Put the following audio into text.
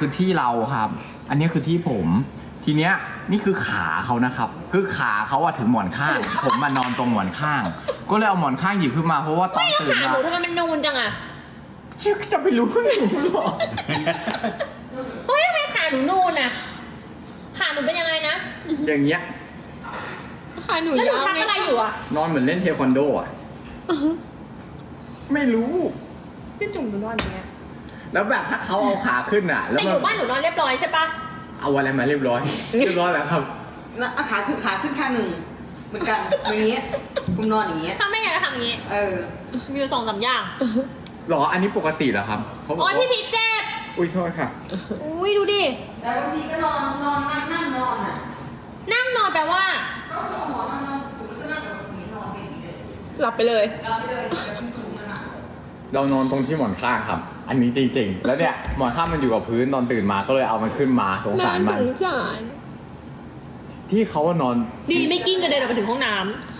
คือที่เราครับ อันนี้คือที่ผม ทีเนี้ยนี่คือขาเขานะครับ คือขาเขาอะถึงหมอนข้าง ผมมานอนตรงหมอนข้าง ก็เลยเอาหมอนข้างหยิบขึ้นมาเพราะว่าตอนตื่นขามาหนูทำไมมันนูนจังอะชื่อจะไปรู้หนูหรอเฮ้ยทำไมขาหนูนูนอะขาหนูเป็นยังไงนะอย่างเงี้ยขาหนูแล้วหนูยาวทำอะไรอยู่อะนอนเหมือนเล่นเทควันโดอะไม่รู้พี่จุ๋มหนูนอนอย่างเงี้ยแล้วแบบถ้าเขาเอาขาขึ้นอะแล้วแต่อยู่บ้านหนูนอนเรียบร้อยใช่ปะเอาอะไรมาเรียบร้อย เรียบร้อยแล้วครับแล้วเอาขาขึ้นข้างหนึ่งเหมือนกันอย่างเงี้ยผมนอนอย่างเงี้ยถ้าไม่งั้นจะทำอย่างงี้เออมีอยู่2-3อย่างหรอ อันนี้ปกติเหรอครับเขาบอกอ๋อว่าพี่พีชเจ็บอุ้ยโทษค่ะอุ้ยดูดิแต่บางทีก็นอนนั่งนอนอ่ะนั่งนอนแปลว่าก็หมอนนอนสูงแล้วก็นั่งแบบนี้นอนเป็นอย่างนี้เลยหลับไปเลยเราไปเลยแบบที่สูงนั่นอ่ะเรานอนตรงที่หมอนข้างครับ อันนี้จริงๆ แล้วเนี่ยหมอนข้างมันอยู่กับพื้นตอนตื่นมาก็เลยเอามันขึ้นมาสงน่าสารสมันงสารที่เขาว่านอนดีไม่กิ้งกระเด็นออกไปถึงห้องน้